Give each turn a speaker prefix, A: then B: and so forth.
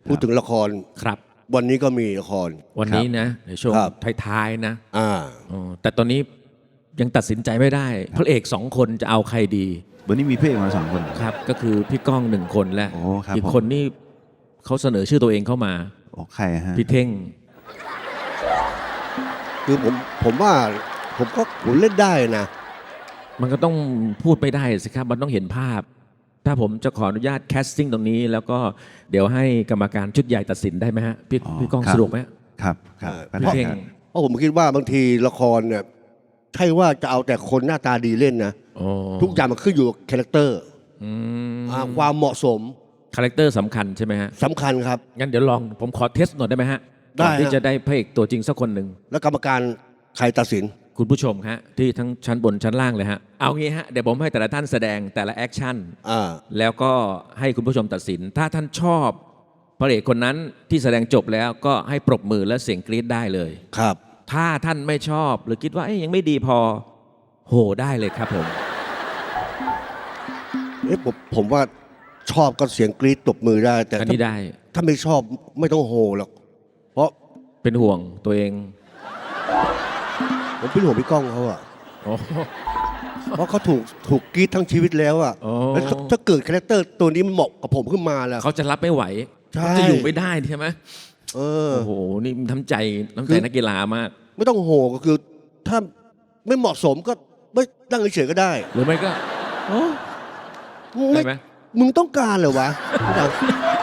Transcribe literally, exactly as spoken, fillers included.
A: พูดถึงละคร
B: ครับ
A: วันนี้ก็มีละคร
B: วันนี้นะในช่วง
A: ครับ
B: ท้ายๆนะ
A: อ่า
B: อ๋อแต่ตอนนี้ยังตัดสินใจไม่ได้พระเอกสองคนจะเอาใครดี
C: วันนี้มีพระเอกมาสองคน
B: ครับ ก็คือพี่ก้องหนึ่งคนและ
C: โอ้ครับ
B: อีก
C: ผม
B: คนนี่เขาเสนอชื่อตัวเองเข้ามา
C: โอ้ใครฮะ
B: พี่เท่ง
A: คือผมผมว่าผมก็ผมเล่นได้นะ
B: มันก็ต้องพูดไม่ได้สิครับ มันต้องเห็นภาพ ถ้าผมจะขออนุญาตแคสติ้งตรงนี้ แล้วก็เดี๋ยวให้กรรมการชุดใหญ่ตัดสินได้ไหมฮะพี่
C: อ๋อ
B: พี่ก้อง
C: ครับ
B: สะดวกไหมฮะ
C: ครับครับ
A: เออ
C: ก็
B: พี่
C: ได้
B: เท่ง
C: ครับ
A: เพราะผมคิดว่าบางทีละครเนี่ยใช่ว่าจะเอาแต่คนหน้าตาดีเล่นนะ
B: อ๋อ
A: ทุกอย่างมันขึ้นอยู่กับคาแรคเตอร์
B: อืม
A: อ่าความเหมาะสม
B: คาแรคเตอร์สำคัญใช่ไหมฮะ
A: สำคัญครับ
B: งั้นเดี๋ยวลองผมขอเทสหน่อยได้ไหมฮะ
A: ได้
B: ก่อนที่
A: ฮะ
B: จะได้พระเอกตัวจริงสักคนหนึ่ง
A: แล้วกรรมการใครตัดสิน
B: คุณผู้ชมฮะที่ทั้งชั้นบนชั้นล่างเลยฮะเอางี้ฮะเดี๋ยวผมให้แต่ละท่านแสดงแต่ละแอคชั่น
A: อ่า
B: แล้วก็ให้คุณผู้ชมตัดสิน ถ้าท่านชอบพระเอกคนนั้นที่แสดงจบแล้วก็ให้ปรบมือและเสียงกรี๊ดได้เลย
A: ครับ
B: ถ้าท่านไม่ชอบหรือคิดว่าเอ้ยยังไม่ดีพอโหได้เลยครับผม
A: เอ๊ะผมผมว่าชอบก็เสียงกรี๊ดตบมือได้ แต่
B: อัน
A: ถ้า
B: นี้ได้
A: ถ้าไม่ชอบไม่ต้องโห่หรอก เพราะ
B: เป็นห่วงตัวเอง
A: ผมเป็นห่วงพี่ก้องเขาอะ
B: โอ้
A: เพราะเขาถูกถูกกรี๊ดทั้งชีวิตแล้วอะ
B: โอ้
A: แล้วถ้าถ้าเกิดคาแรคเตอร์ตัวนี้มันเหมาะกับผมขึ้นมาแล้ว
B: เขาจะรับไม่ไหว
A: ใช่
B: เขาจะอยู่ไม่ได้ใช่ไหม
A: เออ
B: โอ้โหนี่น้ำใจน้ำ
A: คื
B: ใจ
A: อ
B: นักกีฬามาก
A: ไม่ต้องโห่ก็คือ ถ้าไม่เหมาะสมก็ไม่ตั้งเฉยๆก็ได้
B: หรือไม่ก็โอ้
A: มึง
B: ได้
A: ไม่
B: ไหม
A: มึงต้องการเหรอวะ